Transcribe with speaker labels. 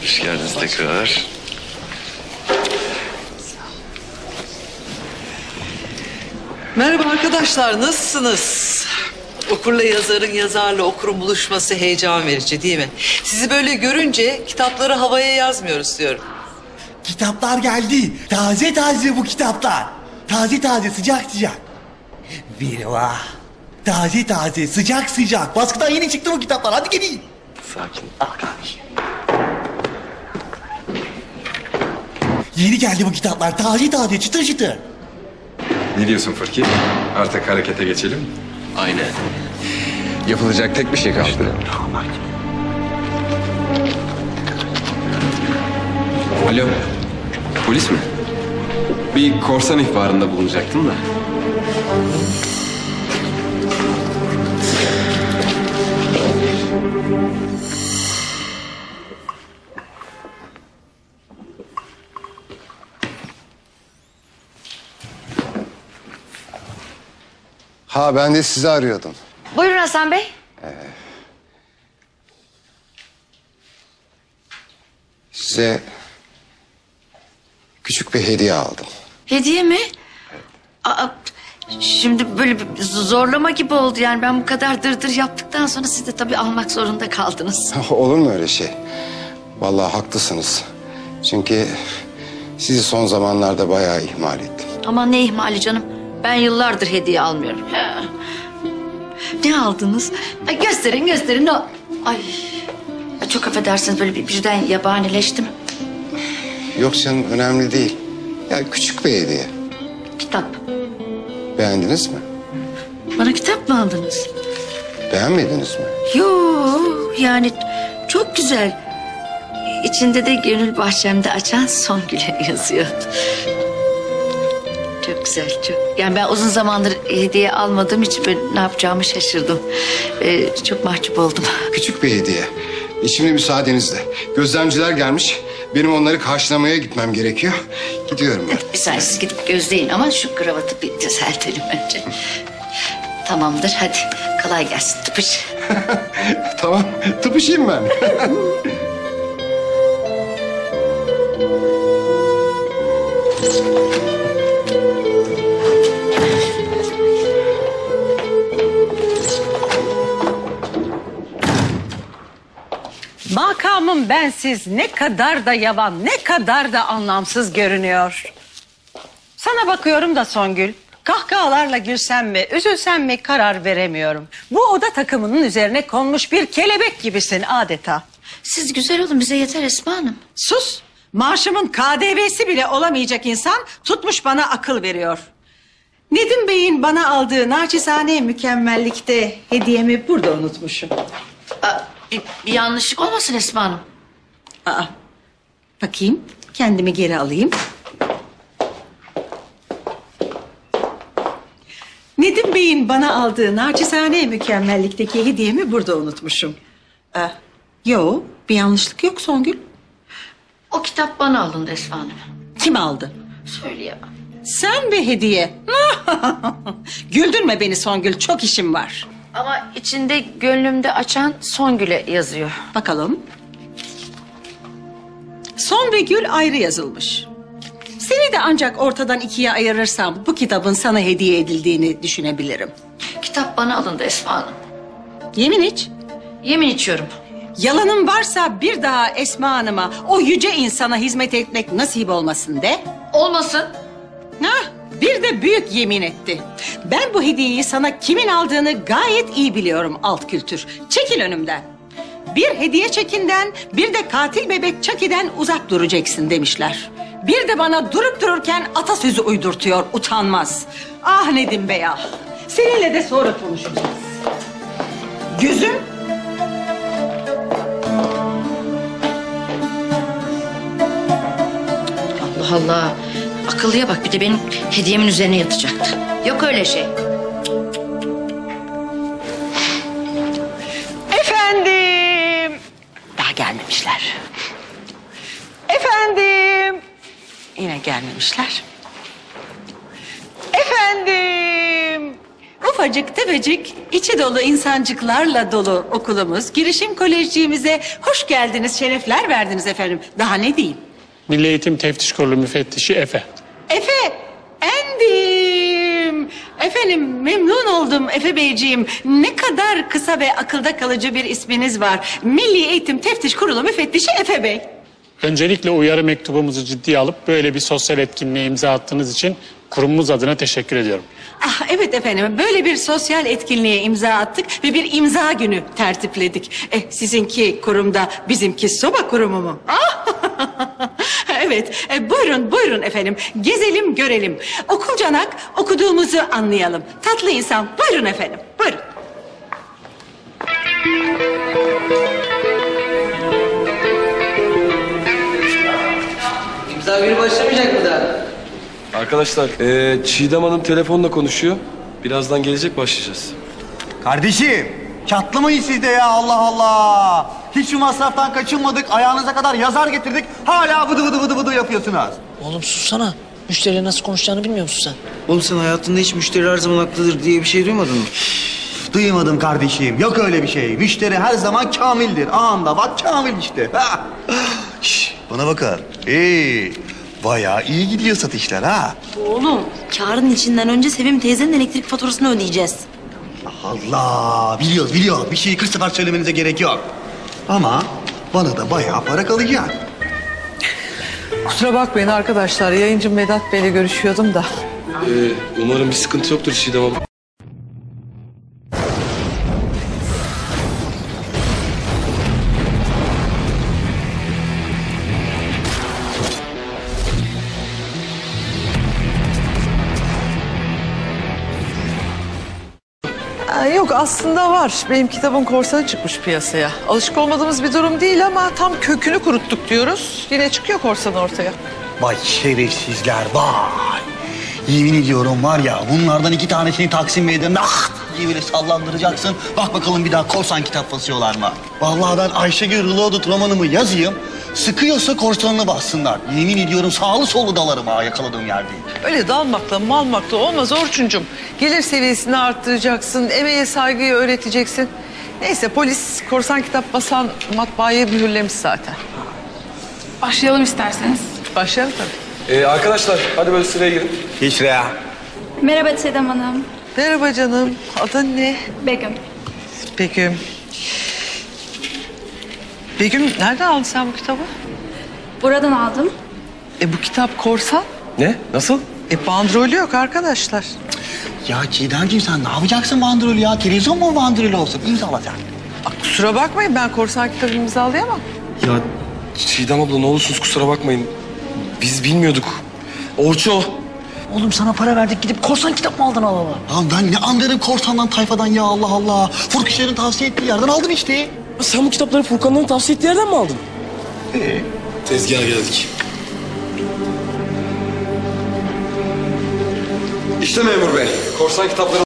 Speaker 1: Hoş geldiniz tekrar.
Speaker 2: Merhaba arkadaşlar, nasılsınız? Okurla yazarın, yazarla okurun buluşması heyecan verici değil mi? Sizi böyle görünce kitapları havaya yazmıyoruz diyorum.
Speaker 3: Kitaplar geldi. Taze taze bu kitaplar. Taze taze, sıcak sıcak. Bir vah. Taze taze, sıcak sıcak. Baskıdan yeni çıktı bu kitaplar. Hadi gelin.
Speaker 1: Sakin.
Speaker 3: Al kardeşim. Yeni geldi bu kitaplar. Taze taze, çıtır çıtır.
Speaker 4: Ne diyorsun Fırki? Artık harekete geçelim mi?
Speaker 1: Aynen.
Speaker 4: Yapılacak tek bir şey kaldı. Alo, polis mi? Bir korsan ihbarında bulunacaktım da.
Speaker 5: Ha, ben de sizi arıyordum.
Speaker 6: Buyurun Hasan Bey.
Speaker 5: Size küçük bir hediye aldım.
Speaker 6: Hediye mi? Aa, şimdi böyle bir zorlama gibi oldu yani. Ben bu kadar dırdır yaptıktan sonra siz de tabii almak zorunda kaldınız.
Speaker 5: Olur mu öyle şey? Vallahi haklısınız. Çünkü sizi son zamanlarda bayağı ihmal ettim.
Speaker 6: Aman ne ihmali canım. Ben yıllardır hediye almıyorum. Ha. Ne aldınız? Ay, gösterin. Ay, çok affedersiniz, böyle birden yabanileştim.
Speaker 5: Yok canım, önemli değil. Ya küçük bir hediye.
Speaker 6: Kitap.
Speaker 5: Beğendiniz mi?
Speaker 6: Bana kitap mı aldınız?
Speaker 5: Beğenmediniz mi?
Speaker 6: Yok, yani çok güzel. İçinde de gönül bahçemde açan Songül'e yazıyor. Çok güzel, çok. Yani ben uzun zamandır hediye almadığım için böyle ne yapacağımı şaşırdım. Çok mahcup oldum.
Speaker 5: Küçük bir hediye. Şimdi müsaadenizle. Gözlemciler gelmiş. Benim onları karşılamaya gitmem gerekiyor. Gidiyorum ben.
Speaker 6: Bir saniye, siz gidip gözleyin ama şu kravatı bir düzeltelim önce. Tamamdır, hadi kolay gelsin, tıpış.
Speaker 5: Tamam, tıpışayım ben.
Speaker 7: Makamım bensiz ne kadar da yavan, ne kadar da anlamsız görünüyor. Sana bakıyorum da Songül, kahkahalarla gülsem mi, üzülsem mi karar veremiyorum. Bu oda takımının üzerine konmuş bir kelebek gibisin adeta.
Speaker 6: Siz güzel olun, bize yeter Esma Hanım.
Speaker 7: Sus, maaşımın KDV'si bile olamayacak insan tutmuş bana akıl veriyor. Nedim Bey'in bana aldığı naçizane mükemmellikte hediyemi burada unutmuşum.
Speaker 6: Bir yanlışlık olmasın Esma Hanım.
Speaker 7: Aa, bakayım, kendimi geri alayım. Nedim Bey'in bana aldığı naçizane mükemmellikteki hediyemi burada unutmuşum. Yo, bir yanlışlık yok Songül.
Speaker 6: O kitap bana alındı Esma Hanım.
Speaker 7: Kim aldı?
Speaker 6: Söyleyemem.
Speaker 7: Sen bir hediye. Güldürme beni Songül, çok işim var.
Speaker 6: Ama içinde gönlümde açan Songül'e yazıyor.
Speaker 7: Bakalım. Son ve Gül ayrı yazılmış. Seni de ancak ortadan ikiye ayırırsam bu kitabın sana hediye edildiğini düşünebilirim.
Speaker 6: Kitap bana alındı Esma Hanım.
Speaker 7: Yemin iç.
Speaker 6: Yemin içiyorum.
Speaker 7: Yalanın varsa bir daha Esma Hanım'a, o yüce insana hizmet etmek nasip olmasın de.
Speaker 6: Olmasın.
Speaker 7: Hah, bir de büyük yemin etti. Ben bu hediyeyi sana kimin aldığını gayet iyi biliyorum alt kültür. Çekil önümden. Bir hediye çekinden, bir de katil bebek Chucky'den uzak duracaksın demişler. Bir de bana durup dururken atasözü uydurtuyor, utanmaz. Ah Nedim Bey ah. Seninle de sonra konuşacağız. Gözüm.
Speaker 6: Allah Allah. Akıllıya bak, bir de benim hediyemin üzerine yatacaktı. Yok öyle şey.
Speaker 7: Efendim. Daha gelmemişler. Efendim. Yine gelmemişler. Efendim. ufacık tefecik, içi dolu insancıklarla dolu okulumuz, girişim kolejciğimize hoş geldiniz, şerefler verdiniz efendim. Daha ne diyeyim?
Speaker 8: Milli Eğitim Teftiş Kurulu müfettişi Efe.
Speaker 7: Efe, endim. Efendim memnun oldum Efe Beyciğim. Ne kadar kısa ve akılda kalıcı bir isminiz var. Milli Eğitim Teftiş Kurulu müfettişi Efe Bey.
Speaker 8: Öncelikle uyarı mektubumuzu ciddiye alıp böyle bir sosyal etkinliğe imza attığınız için kurumumuz adına teşekkür ediyorum.
Speaker 7: Ah evet efendim, böyle bir sosyal etkinliğe imza attık ve bir imza günü tertipledik. Sizinki kurumda, bizimki soba kurumu mu? Ah! Evet, buyurun efendim, gezelim görelim. Okulcanak okuduğumuzu anlayalım. Tatlı insan, buyurun efendim, buyurun.
Speaker 2: İmza günü başlamayacak mı daha?
Speaker 1: Arkadaşlar, Çiğdem Hanım telefonla konuşuyor. Birazdan gelecek, başlayacağız.
Speaker 3: Kardeşim çatlamayın siz de ya Allah Allah. Hiç şu masraftan kaçınmadık. Ayağınıza kadar yazar getirdik. Hala vıdı vıdı yapıyorsunuz.
Speaker 9: Oğlum sussana. Müşteriyle nasıl konuşacağını bilmiyor musun sen?
Speaker 10: Oğlum sen hayatında hiç müşteri her zaman haklıdır diye bir şey duymadın mı?
Speaker 3: Duymadım kardeşim. Yok öyle bir şey. Müşteri her zaman kamildir. Anında bak kamil işte. Ha. Şş, bana bakın. Bayağı iyi gidiyor satışlar ha.
Speaker 9: Oğlum karın içinden önce Sevim teyzenin elektrik faturasını ödeyeceğiz.
Speaker 3: Allah biliyoruz. Bir şeyi 40 sefer söylemenize gerek yok. Ama bana da bayağı para kalacak.
Speaker 2: Kusura bakmayın arkadaşlar. Yayıncım Vedat Bey'le görüşüyordum da.
Speaker 1: Umarım bir sıkıntı yoktur Çiğdem Hanım.
Speaker 2: Yok aslında var. Benim kitabın korsanı çıkmış piyasaya. Alışık olmadığımız bir durum değil ama tam kökünü kuruttuk diyoruz. Yine çıkıyor korsan ortaya.
Speaker 3: Vay şerefsizler vay. Yemin ediyorum var ya bunlardan 2 tanesini Taksim Meydanı'nda diye böyle sallandıracaksın. Bak bakalım bir daha korsan kitap basıyorlar mı? Vallahi ben Ayşegül Reloaded romanımı yazayım. Sıkıyorsa korsanını bassınlar. Yemin ediyorum sağlı sollu dalarım ha yakaladığım yerde.
Speaker 2: Öyle dalmakla malmakla olmaz Orçuncum. Gelir seviyesini arttıracaksın, emeğe saygıyı öğreteceksin. Neyse polis korsan kitap basan matbaayı mühürlemiş zaten.
Speaker 11: Başlayalım isterseniz.
Speaker 2: Başlayalım tabii.
Speaker 1: Arkadaşlar, hadi böyle sıraya girin.
Speaker 3: Hiç ya.
Speaker 11: Merhaba Çiğdem Hanım.
Speaker 2: Merhaba canım. Adın ne?
Speaker 11: Begüm.
Speaker 2: Begüm. Begüm nereden aldın sen bu kitabı?
Speaker 11: Buradan aldım.
Speaker 2: Bu kitap korsan.
Speaker 1: Ne? Nasıl?
Speaker 2: Bandrolü yok arkadaşlar.
Speaker 3: Ya Çiğdemciğim sen ne yapacaksın bandrolü ya? Televizyon mu bandrolü olsun? İmzalayacak.
Speaker 2: Kusura bakmayın ben korsan kitabı imzalayamam.
Speaker 1: Ya Çiğdem abla ne olursunuz kusura bakmayın. Biz bilmiyorduk. Orço.
Speaker 9: Oğlum sana para verdik gidip korsan kitap mı aldın Allah Allah?
Speaker 3: Ya ben ne anlarım korsandan tayfadan ya Allah Allah. Furkuşların tavsiye ettiği yerden aldım işte.
Speaker 9: Sen bu kitapları Furkan'dan tavsiye ettiği yerden mi aldın?
Speaker 1: Tezgaha geldik. İşte memur bey. Korsan kitapları